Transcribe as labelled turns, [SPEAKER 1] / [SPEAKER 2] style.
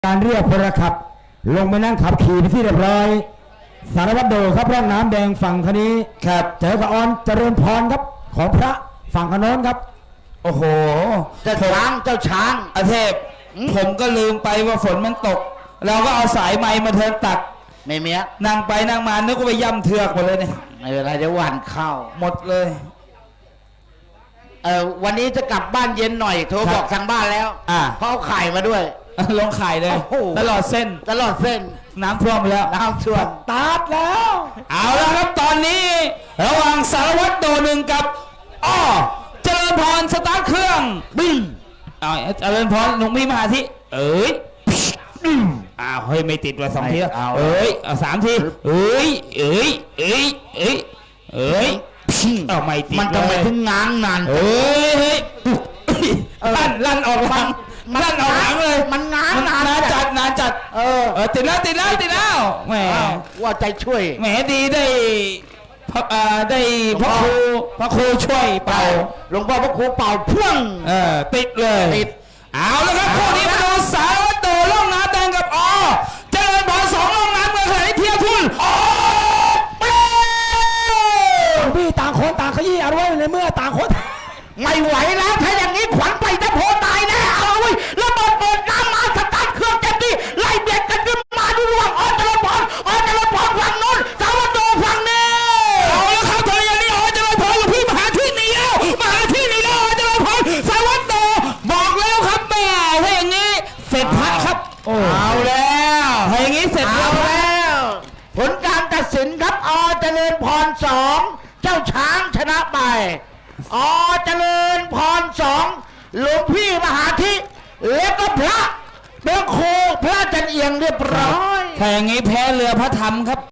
[SPEAKER 1] การเรียกพลขับลงไปนั่งขับขี่ไปที่เรียบร้อยสารวัตรโดครับร่องน้ำแดงฝั่งคนี้ครับเจอกับออนเจริญพรครับของพระฝั่งขนนครับโอ้โห
[SPEAKER 2] เจ้าช้าง
[SPEAKER 3] อาเทพผมก็ลืมไปว่าฝนมันตกเราก็เอาสายไม้มาเทินตัก
[SPEAKER 2] ไม่เมีย
[SPEAKER 3] นั่งไปนั่งมานึกว่าไปย่ำเถือกหมดเลยเนี่ย
[SPEAKER 2] ไม่เป็นไรเดี๋ยววันเข้า
[SPEAKER 3] หมดเลย
[SPEAKER 2] วันนี้จะกลับบ้านเย็นหน่อยโทรบอกทางบ้านแล้วเพราะเอาไข่มาด้วย
[SPEAKER 3] ลงไข่เลยตลอดเส้นน้ำท่วมแล้ว
[SPEAKER 2] น้ำท่วม
[SPEAKER 1] ตาดแล้ว
[SPEAKER 3] เอาละครับตอนนี้ระหว่างสารวัตรโดหนึ่งกับเจริญพรสตาร์ทเครื่อง
[SPEAKER 2] บึ้ง
[SPEAKER 3] เจริญพรหนุ่มมีมหาธิเฮ้ยไม่ติดว่า2 ทีเอา3 ทีไม่ติด
[SPEAKER 2] มันทำไมถึงง้างนาน
[SPEAKER 3] ลั่นออกหลังเลย
[SPEAKER 2] มันง้างนาน
[SPEAKER 3] จัดติดแล้วแหม
[SPEAKER 2] ว่าใจช่วย
[SPEAKER 3] แหมดีได้พระครูช่วยเป่า
[SPEAKER 2] หลวงพ่อพระครูเป่าพ่วง
[SPEAKER 3] ติดเลยเอาแล้วครับคู่นี้มาดูสารวัตรโดล่องน้ำแดงกับเจริญพร2ล่องน้ำเมืองขณะที่เทียทุน
[SPEAKER 1] พี่ต่างคนต่างขยี้เอาไว้ในเมื่อต่างคน
[SPEAKER 2] ไม่ไหวแล้วถ้าอย่างนี้ขวัญไปจะโผล่ตายแน่เอาไว้ระเบิดเปิดน้ำมาสตาร์ทเครื่องเต็มที่ไล่เบียดกันขึ้นมาดูระหว่างเจริญพรฝั่งโน้นสารวัตรโดฝั่งนี้
[SPEAKER 3] เอาแล้วครับเธออย่างนี้เจริญพรกับพี่มหาที่นี่แล้วเจริญพรสารวัตรโดบอกแล้วครับแม่ถ้าอย่างนี้เสร็จพักครับ
[SPEAKER 2] เอาแล้ว
[SPEAKER 3] ถ้าอย่างนี้เสร็จ
[SPEAKER 2] แล้วผลการตัดสินครับเจริญพร2เจ้าช้างชนะไปเจริญพร2หลวงพี่มหาธิแล้วก็พระเบื้องโคพระจันเอียงเรียบร้อย
[SPEAKER 3] ถ้าอย่างนี้แพ้เรือพระธรรมครับ